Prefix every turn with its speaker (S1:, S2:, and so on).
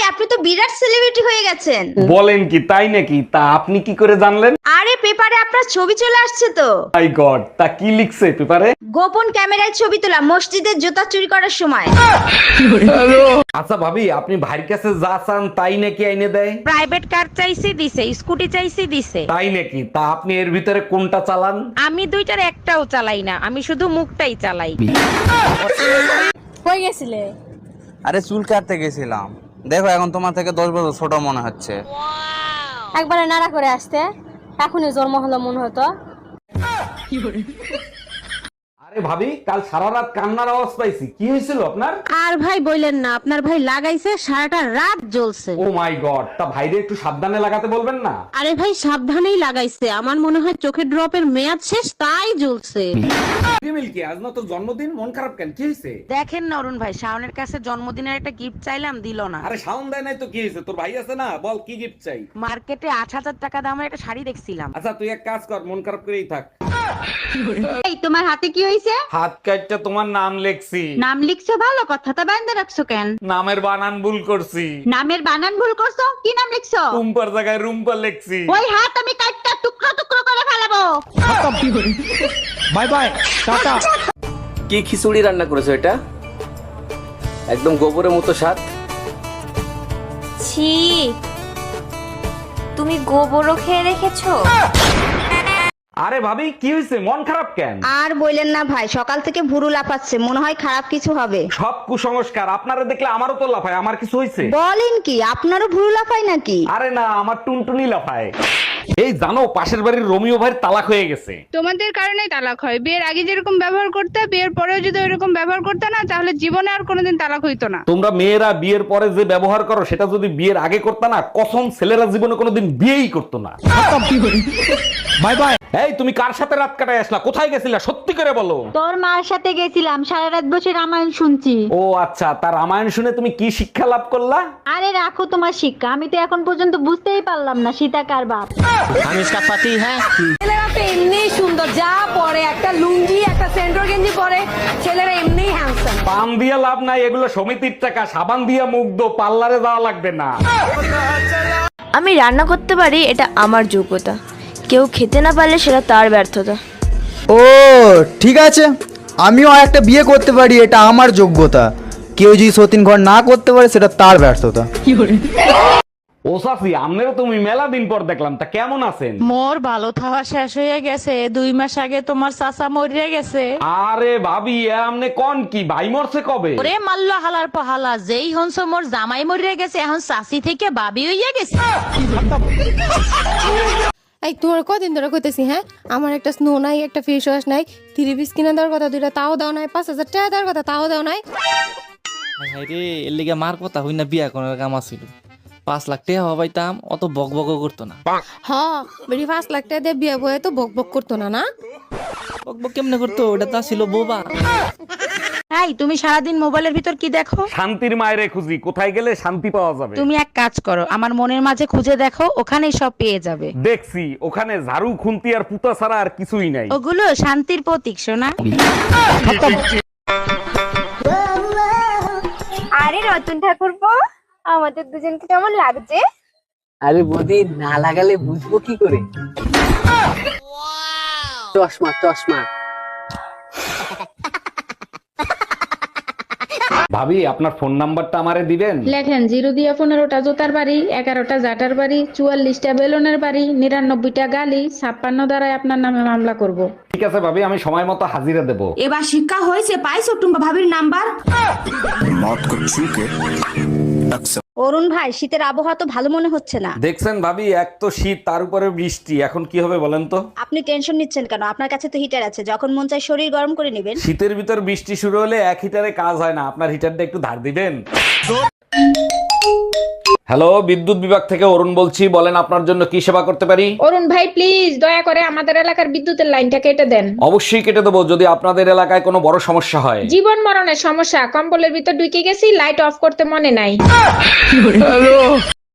S1: আপনি তো বিরাট সেলিব্রিটি হয়ে গেছেন।
S2: বলেন কি, তাই নাকি? তা আপনি কি করে জানলেন?
S1: আরে পেপারে আপনার ছবি চলে আসছে তো।
S2: মাই গড, তা কি লিখছে পেপারে?
S1: গোপন ক্যামেরায় ছবি তোলা মসজিদের জুতা চুরি করার সময়।
S2: আচ্ছা ভাবি, আপনি ভাইয়ের কাছে যা চান তাই নাকি আইনে দেয়?
S3: প্রাইভেট কার চাইছি দিছে, স্কুটি চাইছি দিছে।
S2: তাই নাকি? তা আপনি এর ভিতরে কোনটা চালান?
S3: আমি দুইটার একটাও চালাই না, আমি শুধু মুখটাই চালাই।
S4: কই গেছিলে?
S5: আরে চুল কাটতে গেছিলাম। দেখো এখন তোমার থেকে 10 বছর ছোট মনে হচ্ছে।
S4: একবারে নাড়া করে আসতে, এখনই জন্ম হলো মনে হতো।
S2: আরে ভাবি, কাল সারা রাত কান্নার আওয়াজ পাইছি, কি হয়েছিল আপনার?
S3: আর ভাই বললেন না, আপনার ভাই লাগাইছে সারাটা রাত জ্বলছে।
S2: ও মাই গড, তা ভাইরে একটু সাবধানে লাগাতে বলবেন না?
S3: আরে ভাই সাবধানেই লাগাইছে, আমার মনে হয় চোখের ড্রপের মেয়াদ শেষ তাই জ্বলছে।
S2: মিল্কি, আজ না তোর জন্মদিন, মন খারাপ কেন? কি হয়েছে?
S3: দেখেন না অরুণ ভাই, শাওনের কাছে জন্মদিনের একটা গিফট চাইলাম, দিল না।
S2: আরে শাওন দেয় নাই তো কি হয়েছে? তোর ভাই আছে না, বল কি গিফট চাই?
S3: মার্কেটে 8,000 টাকা দামের একটা শাড়ি দেখছিলাম।
S2: আচ্ছা তুই এক কাজ কর, মন খারাপ করেই থাক।
S1: এই তোমার হাতে কি হয়েছে?
S2: হাত কাটটা তোমার নাম লেখছি।
S1: নাম লিখছো ভালো কথা, তা বাইন্দা রাখছো কেন?
S2: নামের বানান ভুল করছি।
S1: নামের বানান ভুল করছো? কি নাম লিখছো?
S2: রুম্পার জায়গায় রুম্পা লেখছি।
S1: ওই হাত আমি কাটটা টুকরো টুকরো করে ফেলাবো।
S6: Bye bye, tata.
S7: কি খিচুড়ি রান্না করেছো এটা? একদম গোবরের মতো স্বাদ।
S4: ছি, তুমি গোবরও খেয়ে রেখেছো?
S2: আরে ভাবি, কি হয়েছে? মন খারাপ কেন?
S1: আর বললেন না ভাই, সকাল থেকে ভুরু লাফাচ্ছে, মনে হয় খারাপ কিছু হবে।
S2: সব কুসংস্কার। আপনারা দেখলে আমারও তো লাফায়। আমার কিছু হয়েছে?
S1: বলেন কি, আপনারও ভুরু লাফায় নাকি?
S2: আরে না, আমার টুনটুনি লাফায়। এই জানো, পাশের বাড়ির রোমিও ভাইয়ের তালাক হয়ে গেছে।
S8: তোমাদের কারণেই তালাক হয়। বিয়ের আগে যেরকম ব্যবহার করতে, বিয়ের পরেও যদি ওইরকম ব্যবহার করতে না, তাহলে জীবনে আর কোনোদিন তালাক হইতো না।
S2: তোমরা মেয়েরা বিয়ের পরে যে ব্যবহার করো, সেটা যদি বিয়ের আগে করতে না, কসম ছেলেরা জীবনে কোনোদিন বিয়েই করতো না।
S6: Bye bye.
S2: এই তুমি কার সাথে রাত কাটায় আসলা? কোথায় গেছিলা? সত্যি করে বলো।
S1: তোর মার সাথে গেছিলাম, সারা রাত বসে রামায়ণ শুনছি।
S2: ও আচ্ছা, তার রামায়ণ শুনে তুমি কি শিক্ষা লাভ করলা?
S1: আরে রাখো তোমার শিক্ষা, আমি তো এখন পর্যন্ত বুঝতেই পারলাম না সীতা কার বাপ।
S7: আমি इसका पति है।
S4: ছেলেরা তো এমনি সুন্দর, যা পরে একটা লুঙ্গি একটা সেন্ট্রো গেঞ্জি পরে, ছেলেরা এমনি হ্যান্ডসাম।
S2: পান দিয়া লাভ নাই, এগুলো সমিতির টাকা। সাবান দিয়া মুগ্ধ, পার্লারে যাওয়া লাগবে না।
S9: আমি রান্না করতে পারি, এটা আমার যোগ্যতা। কেউ খেতে না পারলে সেটা তার ব্যর্থতা।
S6: ও ঠিক আছে, আমিও একটা বিয়ে করতে পারি, এটা আমার যোগ্যতা। কেউ যদি সতীন ঘর না করতে পারে, সেটা তার ব্যর্থতা।
S2: ও সাফি, আমনেরও তুমি মেলা দিন পর দেখলাম, তা কেমন আছেন?
S3: মোর ভালো থাওয়া শেষ হয়ে গেছে, 2 মাস আগে তোমার চাচা মরিয়া গেছে।
S2: আরে ভাবি, এ আমনে কোন কি? ভাই মরছে কবে?
S3: ওরে মাল্ল হালার পহালা, যেই হনস মোর জামাই মরিয়া গেছে, এখন চাচি থেকে বাবি হইয়া গেছে।
S4: এই তোমার কদিন ধরে কইতেছি, হ্যাঁ আমার একটা স্নো নাই, একটা ফেস ওয়াশ নাই, 3 পিস কিনে দেওয়ার কথা, 2টা তাও দাও নাই, 5,000 টাকা দেওয়ার কথা তাও দাও নাই।
S5: রে এর লিগে মার কথা হই না, বিয়া করার কাম আছিল। 5 লাখ টাকা হবাইতাম, অত বক বক করতো না।
S4: হ, বেরি 5 লাখ টাকা দিয়ে বিয়ে বয়ে তো বক বক করতো না। না
S5: বক বক কেমনে করতো? ওটা তো ছিল বোবা।
S3: এই তুমি সারাদিন মোবাইলের ভিতর কি দেখো?
S2: শান্তির মায়েরে খুঁজি, কোথায় গেলে শান্তি পাওয়া যাবে।
S3: তুমি এক কাজ করো, আমার মনের মাঝে খুঁজে দেখো, ওখানেই সব পেয়ে যাবে।
S2: দেখছি, ওখানে ঝাড়ু খুন্তি আর পুতা ছাড়া আর কিছুই নাই।
S3: ওগুলো শান্তির প্রতীক, সোনা।
S4: আরে রতন ঠাকুরপো, আমাদের দুজনকে কেমন লাগছে?
S7: আরে বৌদি, না লাগালে বুঝবো কি করে? চশমা চশমা।
S2: ভাবি, আপনার ফোন নাম্বারটা আমারে দিবেন?
S8: লেখেন 0 দিয়া 15টা জোতার বাড়ি, 11টা জাটার বাড়ি, 44টা বেলুনের বাড়ি, 99টা গালি, 56 দ্বারাই আপনার নামে মামলা করব।
S2: ঠিক আছে ভাবি, আমি সময় মতো হাজিরা দেব।
S1: এবার শিক্ষা হয়েছে, পাইছো টুম্পা ভাবির নাম্বার? অরুণ ভাই, শীতের আবহাওয়া তো ভালো মনে হচ্ছে না।
S2: দেখছেন ভাবি, এক তো শীত, তার উপরে বৃষ্টি, এখন কি হবে বলেন তো?
S1: আপনি টেনশন নিচ্ছেন কেন? আপনার কাছে তো হিটার আছে, যখন মন চায় শরীর গরম করে নেবেন।
S2: শীতের ভিতর বৃষ্টি শুরু হলে এক হিটারে কাজ হয় না। আপনার হিটারটা একটু ধার দিবেন? হ্যালো, বিদ্যুৎ বিভাগ থেকে অরুণ বলছি, বলেন আপনার জন্য কি সেবা করতে পারি?
S8: অরুণ ভাই প্লিজ দয়া করে আমাদের এলাকার বিদ্যুতের লাইনটা কেটে দেন।
S2: অবশ্যই কেটে দেবো, যদি আপনাদের এলাকায় কোনো বড় সমস্যা হয়।
S8: জীবন মরণের সমস্যা, কম্বলের ভিতর ঢুকে গেছি, লাইট অফ করতে মনে নাই।